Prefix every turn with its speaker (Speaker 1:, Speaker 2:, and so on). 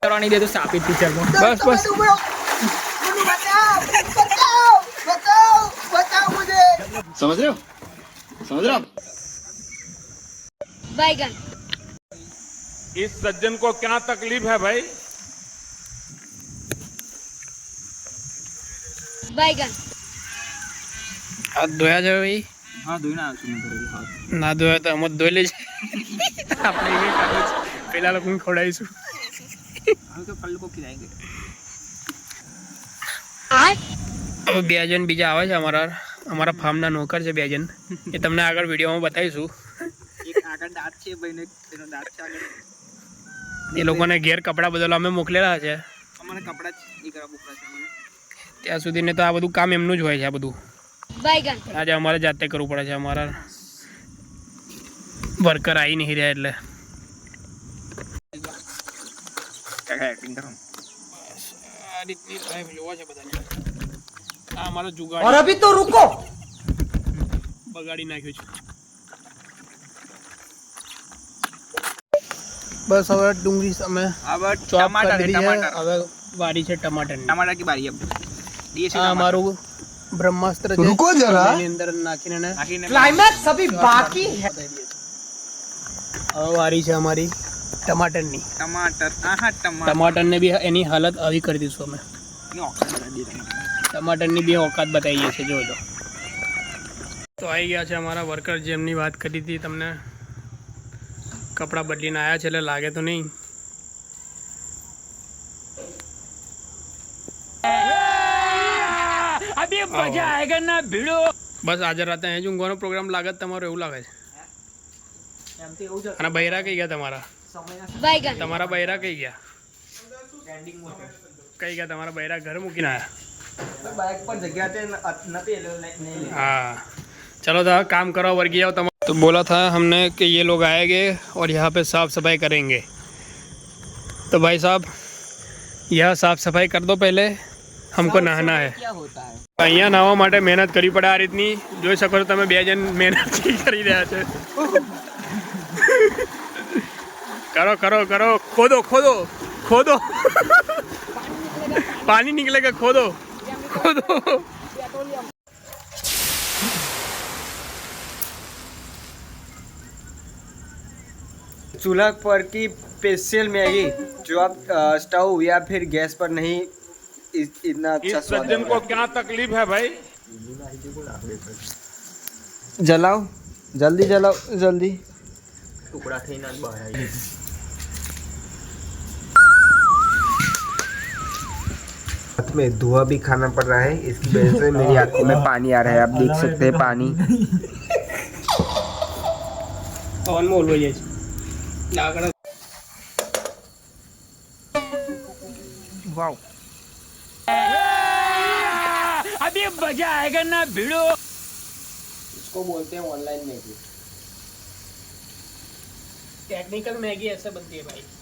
Speaker 1: करवा नहीं दे तो सापित टीचर को बस बस
Speaker 2: समझ रहे हो
Speaker 3: बैगन।
Speaker 4: इस सज्जन को क्या तकलीफ है भाई?
Speaker 3: बैगन।
Speaker 1: हाथ धोया जाए भाई
Speaker 2: हाँ धोई ना हाथ
Speaker 1: ना धोया तो हम धोई ले આપણે એ કાઢો પેલા લોકોને ખવડાવીશું
Speaker 2: हम तो कल को खिलाएंगे।
Speaker 1: હવે બે જણ બીજા આવે છે અમારા ફાર્મના નોકર છે બે જણ એ તમને આગળ વિડીયોમાં બતાવીશું
Speaker 2: એક આગળ દાંત છે ભાઈને તેનો દાંત છે આગળ
Speaker 1: એ લોકોને ઘેર કપડાં બદલવા અમે મોકલેલા છે
Speaker 2: અમારે કપડા જ દીકરા બુકરા છે મને
Speaker 1: ત્યાં સુધીને તો આ બધું કામ એમનું જ હોય છે આ બધું
Speaker 3: बैगन।
Speaker 1: આજે અમારે જાતે કરવું પડે છે અમારા વર્કર આવી નહીં રહ્યા એટલે
Speaker 2: एक्टिंग करो
Speaker 1: આ રીતની લાઈફ જોવા છે બધાને આ અમારો જુગાડ
Speaker 5: और अभी तो रुको
Speaker 1: બગાડી નાખ્યું છે બસ હવે ડુંગળી અમે
Speaker 2: अब
Speaker 1: ચોપ
Speaker 2: टमाटर
Speaker 1: કરી
Speaker 2: है
Speaker 1: દીધી છે
Speaker 2: टमाटर
Speaker 1: હવે વાડી છે ટમાટરની
Speaker 2: टमाटर की बारी अब डीएससी
Speaker 1: આ અમારું બ્રહ્માસ્ત્ર છે
Speaker 5: रुको जरा
Speaker 1: એની અંદર નાખીને એને
Speaker 5: क्लाइमैक्स अभी बाकी है
Speaker 1: હવે વારી છે અમારી ટમાટરની
Speaker 2: टमाटर टमाटर
Speaker 1: ટમાટરને બી એની હાલત આવી કરી દઈશું અમે
Speaker 2: ये ऑक्सीजन बता दिए टमाटर
Speaker 1: ટમાટરની બી औकात બતાવીએ છીએ જોજો તો આવી ગયા છે અમારા વર્કર જેમની વાત કરી હતી તમને કપડાં બદલીને આવ્યા છે એટલે લાગે તો નહીં
Speaker 4: अभी मजा आएगा ना भिड़ो।
Speaker 1: બસ આજે રાતે અહીં જ ઊંઘવાનો પ્રોગ્રામ લાગે તમારો એવું લાગે છે અને બૈરા કઈ ગયા
Speaker 3: बैगन।
Speaker 1: તમારા બૈરા કઈ ગયા તમારા બૈરા ઘર મૂકીને આવ્યા
Speaker 2: बाइक पर जगह थे नते नहीं
Speaker 1: हाँ चलो था काम करो वर्गी आओ तमाम तो बोला था हमने कि ये लोग आएंगे और यहाँ पे साफ़ सफाई करेंगे तो भाई साहब यह साफ़ सफाई कर दो पहले हमको नहाना है
Speaker 2: क्या होता है
Speaker 1: અહીંયા નાહવા માટે મહેનત કરવી પડે આ રીતની જોઈ શકો છો તમે બે જણ મહેનત કરી રહ્યા છે करो करो करो खोदो खोदो खोदो पानी निकलेगा खोदो खोदो
Speaker 5: चूल्हा पर की स्पेशल मैगी जो आप स्टोव या फिर गैस पर नहीं इतना अच्छा
Speaker 4: इस
Speaker 5: स्वाद
Speaker 4: सज्जन को क्या तकलीफ है भाई?
Speaker 5: जलाओ जल्दी जलाओ जल्दी
Speaker 2: टुकड़ा थे ना बाहर
Speaker 5: में धुआं भी खाना पड़ रहा है इसकी वजह से मेरी आंखों में पानी आ रहा है आप देख सकते हैं पानी
Speaker 1: પવન માં ઓલવાઈ જાય છે લાકડા
Speaker 2: वाओ
Speaker 4: अभी मजा आएगा ना भिड़ो।
Speaker 1: इसको बोलते हैं ऑनलाइन मैगी टेक्निकल मैगी ऐसे बनती है भाई